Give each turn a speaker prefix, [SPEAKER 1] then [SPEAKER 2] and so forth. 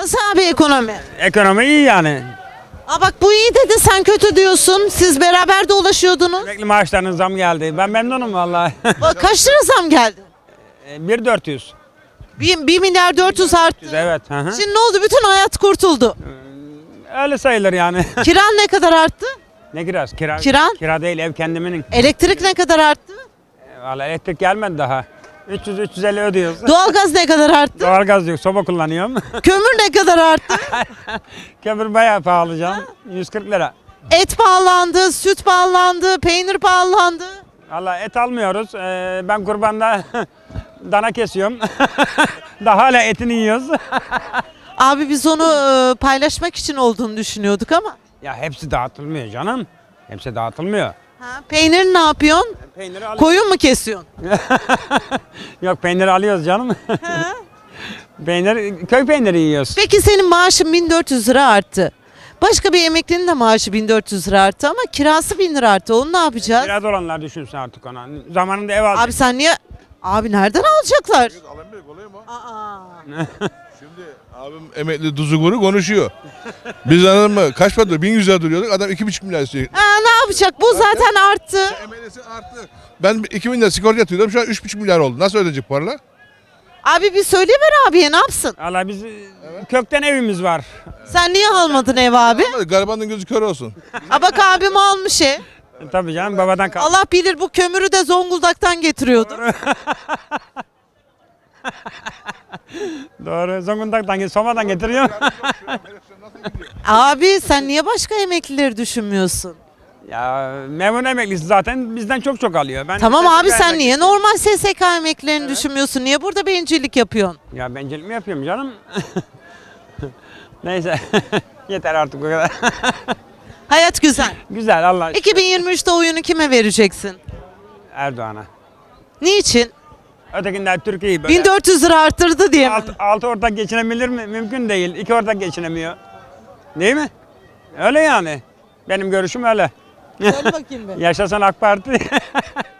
[SPEAKER 1] Nasıl abi ekonomi?
[SPEAKER 2] Ekonomi iyi yani.
[SPEAKER 1] Aa bak bu iyi dedi sen kötü diyorsun. Siz beraber dolaşıyordunuz.
[SPEAKER 2] Emekli maaşlarının zam geldi. Ben memnunum vallahi.
[SPEAKER 1] Bak, kaç lira zam geldi?
[SPEAKER 2] 1.400.
[SPEAKER 1] 1 milyar 400 arttı.
[SPEAKER 2] Evet. Hı hı.
[SPEAKER 1] Şimdi ne oldu? Bütün hayat kurtuldu.
[SPEAKER 2] Öyle sayılır yani.
[SPEAKER 1] Kiran ne kadar arttı?
[SPEAKER 2] Ne kirası? Kira,
[SPEAKER 1] Kiran?
[SPEAKER 2] Kira değil, ev kendiminin.
[SPEAKER 1] Elektrik ne kadar arttı?
[SPEAKER 2] Vallahi elektrik gelmedi daha. 300-350 ödüyoruz.
[SPEAKER 1] Doğalgaz ne kadar arttı?
[SPEAKER 2] Doğalgaz yok, soba kullanıyorum.
[SPEAKER 1] Kömür ne kadar arttı?
[SPEAKER 2] Kömür bayağı pahalı canım. 140 lira.
[SPEAKER 1] Et pahalandı, süt pahalandı, peynir pahalandı.
[SPEAKER 2] Vallahi et almıyoruz. Ben kurbanda dana kesiyorum. Daha hala etini yiyoruz.
[SPEAKER 1] Abi biz onu paylaşmak için olduğunu düşünüyorduk ama.
[SPEAKER 2] Ya hepsi dağıtılmıyor canım. Hepsi dağıtılmıyor.
[SPEAKER 1] Ha, peynir ne yapıyorsun?
[SPEAKER 2] Peyniri alıyoruz.
[SPEAKER 1] Koyun mu kesiyorsun?
[SPEAKER 2] Yok, peyniri alıyoruz canım. Köy peyniri yiyoruz.
[SPEAKER 1] Peki senin maaşın 1400 lira arttı. Başka bir emeklinin de maaşı 1400 lira arttı ama kirası 1000 lira arttı. Onu ne yapacağız?
[SPEAKER 2] Biraz olanlar düşünsün artık ona. Zamanında ev aldık.
[SPEAKER 1] Abi sen niye? Abi nereden alacaklar?
[SPEAKER 3] Alamıyor, kolay mı?
[SPEAKER 1] Aa.
[SPEAKER 3] Şimdi abim emekli Duzuguru konuşuyor. Biz anladın mı? Kaç para duruyor? 1100 lira duruyorduk. Adam 2,5 milyar istiyor.
[SPEAKER 1] Ne yapacak? Bu zaten arttı.
[SPEAKER 3] Emeklisi arttı. Ben 2000 lira sigorta yatırıyordum. Şu an 3,5 milyar oldu. Nasıl ödeyecek paralar?
[SPEAKER 1] Abi bir söyleyiver abiye ne yapsın?
[SPEAKER 2] Valla biz kökten evimiz var.
[SPEAKER 1] Sen niye almadın ev abi?
[SPEAKER 3] Garibanın gözü kör olsun.
[SPEAKER 1] Ha bak abim almış ev.
[SPEAKER 2] Tabii canım, babadan kaldı.
[SPEAKER 1] Allah bilir bu kömürü de Zonguldak'tan getiriyordu.
[SPEAKER 2] Doğru. Zonguldak'tan, Soma'dan getiriyor.
[SPEAKER 1] Abi sen niye başka emeklileri düşünmüyorsun?
[SPEAKER 2] Ya memur emeklisi zaten bizden çok alıyor. Ben
[SPEAKER 1] Tamam
[SPEAKER 2] SSK
[SPEAKER 1] abi sen
[SPEAKER 2] emeklisiyim.
[SPEAKER 1] niye normal SSK emeklilerini düşünmüyorsun? Niye burada bencillik yapıyorsun?
[SPEAKER 2] Ya bencillik mi yapıyorum canım? Neyse. Yeter artık bu kadar.
[SPEAKER 1] Hayat güzel.
[SPEAKER 2] Güzel, Allah aşkına.
[SPEAKER 1] 2023'te oyunu kime vereceksin?
[SPEAKER 2] Erdoğan'a.
[SPEAKER 1] Niçin?
[SPEAKER 2] Ötekinden Türkiye'yi böyle
[SPEAKER 1] 1400 lira arttırdı diye mi?
[SPEAKER 2] altı ortak geçinebilir mi? Mümkün değil. 2 ortak geçinemiyor. Değil mi? Öyle yani. Benim görüşüm öyle.
[SPEAKER 1] Söyle bakayım be.
[SPEAKER 2] Yaşasın AK Parti.